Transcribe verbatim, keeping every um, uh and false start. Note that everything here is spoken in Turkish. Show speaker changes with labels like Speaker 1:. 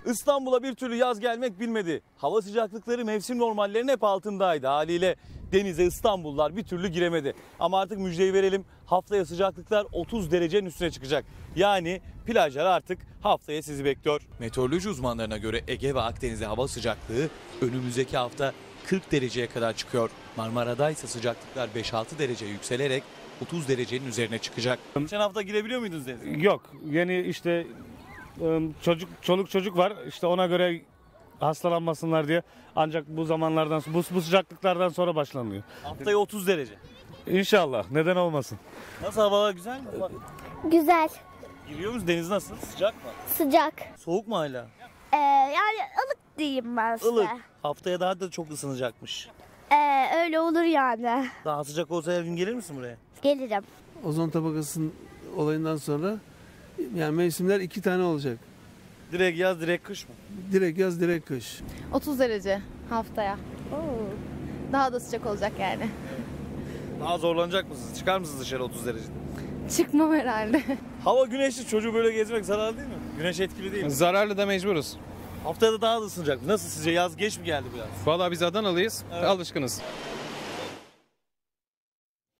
Speaker 1: İstanbul'a bir türlü yaz gelmek bilmedi. Hava sıcaklıkları mevsim normallerinin hep altındaydı. Haliyle denize İstanbullular bir türlü giremedi. Ama artık müjdeyi verelim. Haftaya sıcaklıklar otuz derecenin üstüne çıkacak. Yani plajlar artık haftaya sizi bekliyor. Meteoroloji uzmanlarına göre Ege ve Akdeniz'de hava sıcaklığı önümüzdeki hafta kırk dereceye kadar çıkıyor. Marmara'da ise sıcaklıklar beş altı derece yükselerek otuz derecenin üzerine çıkacak. Geçen hafta girebiliyor muydunuz denize?
Speaker 2: Yok. Yeni işte çocuk çoluk çocuk var. İşte ona göre hastalanmasınlar diye. Ancak bu zamanlardan bu, bu sıcaklıklardan sonra başlanıyor.
Speaker 1: Haftaya otuz derece.
Speaker 2: İnşallah. Neden olmasın?
Speaker 1: Nasıl, havalar güzel mi?
Speaker 3: Güzel,
Speaker 1: Giriyor muyuz? Deniz nasıl? Sıcak mı?
Speaker 3: sıcak.
Speaker 1: Soğuk mu hala?
Speaker 3: Ee, yani ılık diyeyim ben size.
Speaker 1: Ilık. Haftaya daha da çok ısınacakmış.
Speaker 3: Ee, öyle olur yani.
Speaker 1: Daha sıcak olsa her gün gelir misin buraya?
Speaker 3: Gelirim.
Speaker 4: Ozon tabakasının olayından sonra yani mevsimler iki tane olacak.
Speaker 1: Direkt yaz, direkt kış mı?
Speaker 4: Direkt yaz, direkt kış.
Speaker 5: otuz derece haftaya. Daha da sıcak olacak yani.
Speaker 1: Daha zorlanacak mısınız? Çıkar mısınız dışarı otuz derecede?
Speaker 5: Çıkmam herhalde.
Speaker 1: Hava güneşli, çocuğu böyle gezmek zararlı değil mi? Güneş etkili değil mi?
Speaker 6: Zararlı da mecburuz.
Speaker 1: Haftaya da daha da ısınacak. Nasıl sizce, yaz geç mi geldi biraz?
Speaker 6: Vallahi biz Adanalıyız,
Speaker 1: Evet.
Speaker 6: alışkınız.